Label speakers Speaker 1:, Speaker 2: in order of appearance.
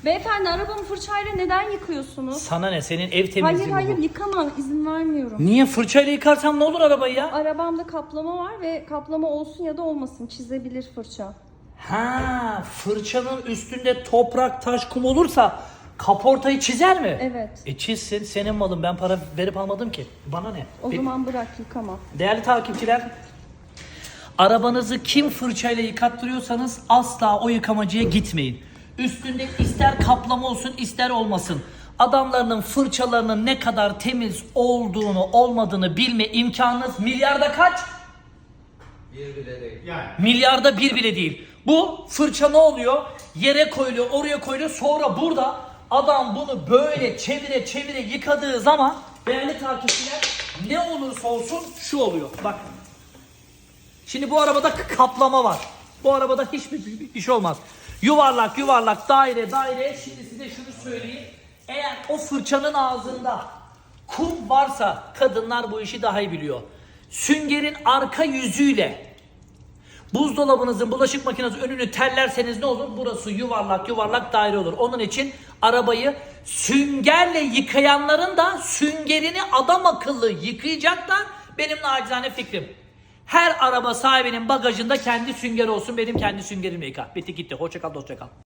Speaker 1: Beyefendi, arabamı fırçayla neden yıkıyorsunuz?
Speaker 2: Sana ne? Senin ev temizliği
Speaker 1: Hayır
Speaker 2: bu.
Speaker 1: yıkamam, izin vermiyorum.
Speaker 2: Niye? Fırçayla yıkarsam ne olur arabayı ya?
Speaker 1: Arabamda kaplama var ve kaplama olsun ya da olmasın, çizebilir fırça.
Speaker 2: Ha, fırçanın üstünde toprak, taş, kum olursa kaportayı çizer mi?
Speaker 1: Evet.
Speaker 2: Çizsin, senin malın. Ben para verip almadım ki. Bana ne?
Speaker 1: O zaman bırak, yıkama.
Speaker 2: Değerli takipçiler, arabanızı kim fırçayla yıkattırıyorsanız asla o yıkamacıya gitmeyin. Üstünde ister kaplama olsun ister olmasın. Adamlarının fırçalarının ne kadar temiz olduğunu olmadığını bilme imkanınız milyarda kaç?
Speaker 3: Bir bile değil.
Speaker 4: Yani.
Speaker 2: Milyarda bir bile değil. Bu fırça ne oluyor? Yere koyuluyor, oraya koyuluyor. Sonra burada adam bunu böyle çevire çevire yıkadığı zaman değerli takipçiler ne olursa olsun şu oluyor. Bak. Şimdi bu arabada kaplama var. Bu arabada hiçbir şey olmaz. Yuvarlak yuvarlak daire daire. Şimdi size şunu söyleyeyim. Eğer o fırçanın ağzında kum varsa kadınlar bu işi daha iyi biliyor. Süngerin arka yüzüyle buzdolabınızın bulaşık makinesi önünü terlerseniz ne olur? Burası yuvarlak yuvarlak daire olur. Onun için arabayı süngerle yıkayanların da süngerini adam akıllı yıkayacaklar. Benim nacizane fikrim. Her araba sahibinin bagajında kendi süngeri olsun. Benim kendi süngerimle yıkar. Bitti gitti. Hoşça kal, dostça kal.